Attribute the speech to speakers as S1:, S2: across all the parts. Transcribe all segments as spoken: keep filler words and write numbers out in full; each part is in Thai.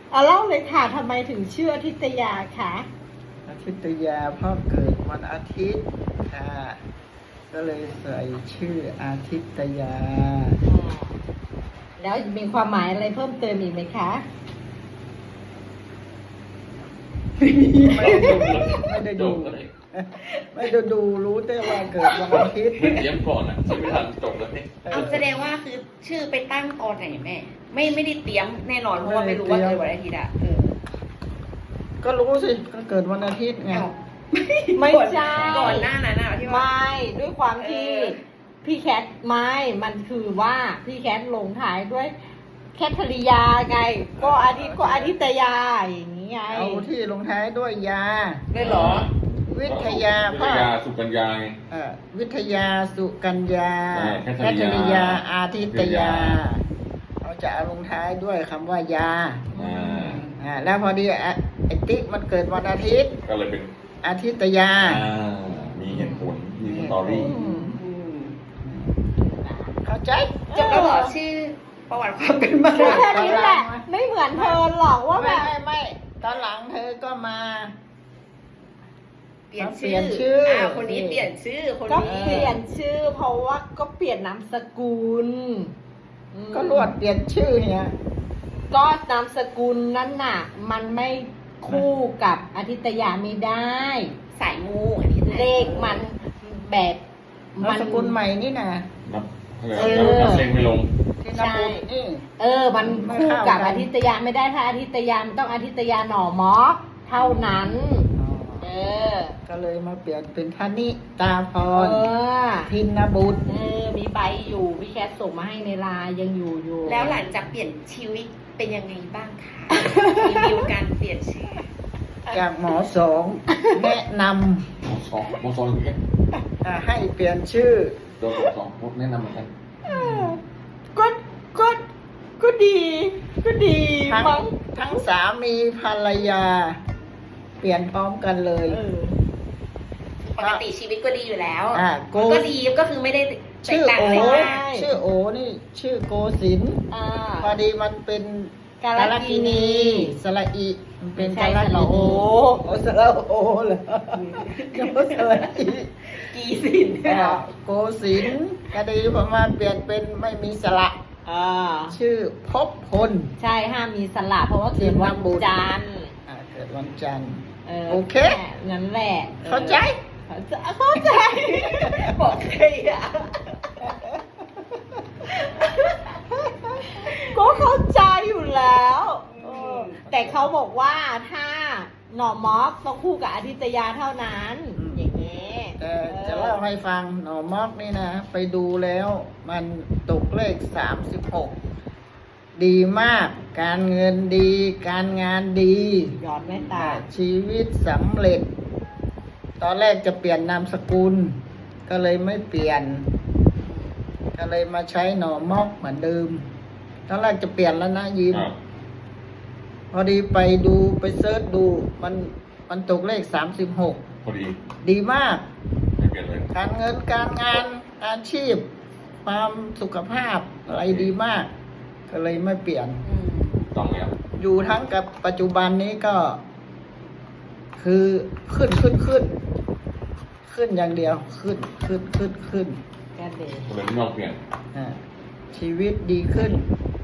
S1: เอาเล่าเลยค่ะทำไมถึงชื่ออาทิตยาคะ
S2: อาทิตยาพ่อเกิดวันอาทิตย์ค่ะก็เลยใส่ชื่ออาทิตยา
S1: แล้วมีความหมายอะไรเพิ่มเติมอีกไหมคะ
S2: ไม่ได้ดูไม่ได้ดูไม่ได้ดูรู้แต่ว่าเกิดวันอาทิตย์
S3: ไม่เตรียมก่อนอ่ะใช้เวลาจบแล้วนี่
S4: เอาแสดงว่าคือชื่อไปตั้งตอนไหนแม่ไม่ไม่ได้เตรียมแน่นอนเพราะว่าไม่รู้ว่าเกิดวันอาทิตย์อ่ะเออ
S2: ก็รู้สิก็เกิดวันอาทิตย์ไง
S1: ไม่ใช่
S4: ก่อนหน้านั้นอะที่ว่า
S1: ไม่ด้วยความที่พี่แคทไม่มันคือว่าพี่แคทลงท้ายด้วยแคทริยาไงก็อาทิตย์ก็อาทิตยาอย่างนี้ไง
S2: เอาที่ลงท้ายด้วยยา
S4: ได้หรอ
S2: วิทยา
S3: วิทยาสุกัญญาไง
S2: เออวิทยาสุกัญญา
S3: แค
S2: ทริยาอาทิตยาเราจะเอาลงท้ายด้วยคำว่ายาอ่าแล้วพอดีไอ้ติ๊กมันเกิดวันอาทิตย์
S3: ก็เลยเป็น
S2: อาทิตยา
S3: มีเหตุผลมีสตอรี่
S2: เข้าใจ
S4: จบแล้วเหรอชื่อประวัติความเป็นมา
S1: แค่นี้แหละไม่เหมือนเธอหรอกว่าแบบ
S2: ไม่ไม่ตอนหลังเธอก็มา
S4: เปลี่ยนชื่ออ่าคนนี้เปลี่ยนชื่อคนนี้
S1: ก็เปลี่ยนชื่อเพราะว่าก็เปลี่ยนนามสกุล
S2: ก็รวดเปลี่ยนชื่อเนี่ย
S1: ก็นามสกุลนั้นน่ะมันไม่คู่กับอาทิตยาไม่ได้
S4: สายงูอันนี้
S1: เลขมันแบบ
S2: นามสกุลใหม่นี่นะ
S3: นับเออนับเลขไม่ลง
S1: ใช่เออมันคู่กับอาทิตยาไม่ได้ถ้าอาทิตยามันต้องอาทิตยาหน่อมอเท่านั้นเออ
S2: ก็เลยมาเปลี่ยนเป็นธนิตาพรทินบุตร
S1: เออมีใบอยู่พี่แคทส่งมาให้ในไลน์ยังอยู่อยู่
S4: แล้วหลังจากเปลี่ยนชีวิตเป็นยังไงบ้างคะรีวิวการเปลี่ยนชื่อ
S2: จากหมอสองแนะน
S3: ำหมอสองหมอสองอย่างนี้
S2: ให้เปลี่ยนชื่อ
S3: โดนสองแนะนำเหมือนกัน
S1: ก็ก็ก็ดีก็ดี
S2: ทั้งทั้งสามีภรรยาเปลี่ยนพร้อมกันเลย
S4: ปกติชีวิตก็ดีอยู่แล้วก็ดีก็คือไม่ได้
S2: ชื่อโอชื่อโอนี่ชื่อโกศินพอดีมันเป็น
S1: กาลกินี
S2: สระอีมันเป็นกาลกินีโอโอสระโอเหรอโกสระอี
S4: กีศิน
S2: โกศินก็ดีเพราะว่าเปลี่ยนเป็นไม่มีสระชื่อภพพล
S1: ใช่ห้ามมีสระเพราะว่าเกิดวันจันทร์
S2: เกิดวันจันทร์โอเค
S1: งั้นแหละ
S2: เข้าใจ
S1: เข้าใจ
S4: บอกใครอ่ะ
S1: ก็เข้าใจอยู่แล้วแต่เขาบอกว่าถ้าหน่อมอกต้องคู่กับอาทิตยาเท่านั้นอย่างนี้
S2: แต่จะเล่าให้ฟังหน่อมอกนี่นะไปดูแล้วมันตกเลขสามสิบหกดีมากการเงินดีการงานดี
S1: ยอดแม่ตา
S2: ชีวิตสำเร็จตอนแรกจะเปลี่ยนนามสกุลก็เลยไม่เปลี่ยนก็เลยมาใช้หน่อมอกเหมือนเดิมตอนแรกจะเปลี่ยนแล้วนะยิมพอดีไปดูไปเซิร์ชดูมันมันตกเลขสามสิบหก
S3: พอดี
S2: ดีมาก
S3: ไม่เปลี่ยนเลย
S2: การเงินการงานอาชีพความสุขภาพอะไรดีมากก็เลยไม่เปลี่ยน
S3: ต้องแล้ว
S2: อยู่ทั้งกับปัจจุบันนี้ก็คือขึ้นขึ้นขึ้นขึ้นอย่างเดียวขึ้นขึ้นขึ้นขึ้น
S1: แค่เดียว
S3: เลยไม่ต้องเปลี่ยน
S2: ชีวิตดีขึ้น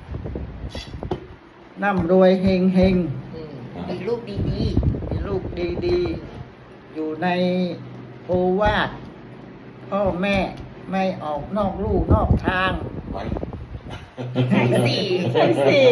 S2: ร่ำรวยเฮงเฮง
S4: มีลูกดีดี
S2: มีลูกดีดีอยู่ในโอวาทพ่อแม่ไม่ออกนอกลู่นอกทาง
S4: ใช่สี่
S1: ใช่สี่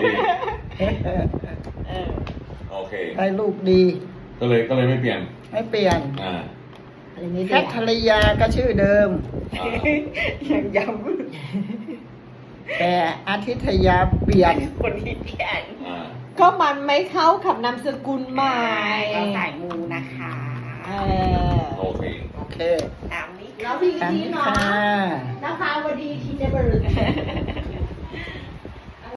S3: โอเค
S2: ให้ลูกดี
S3: ก็เลยก็เลยไม่เปลี่ยน
S2: ไม่เปลี่ยน
S3: อ่า
S2: แคทริยาก็ชื่อเดิม
S4: ยังย้
S2: ำแต่อาทิตยาเปลี่ยน
S4: คนที่เปลี่ยน
S1: ก็มันไม่เข้ากับนามสกุลใหม่
S4: สายมูนะคะ
S3: โอเค
S2: โอเค
S4: ตามนี้
S1: แล้วพี่ทีเนาะนะคะวันดีทีเดบรึก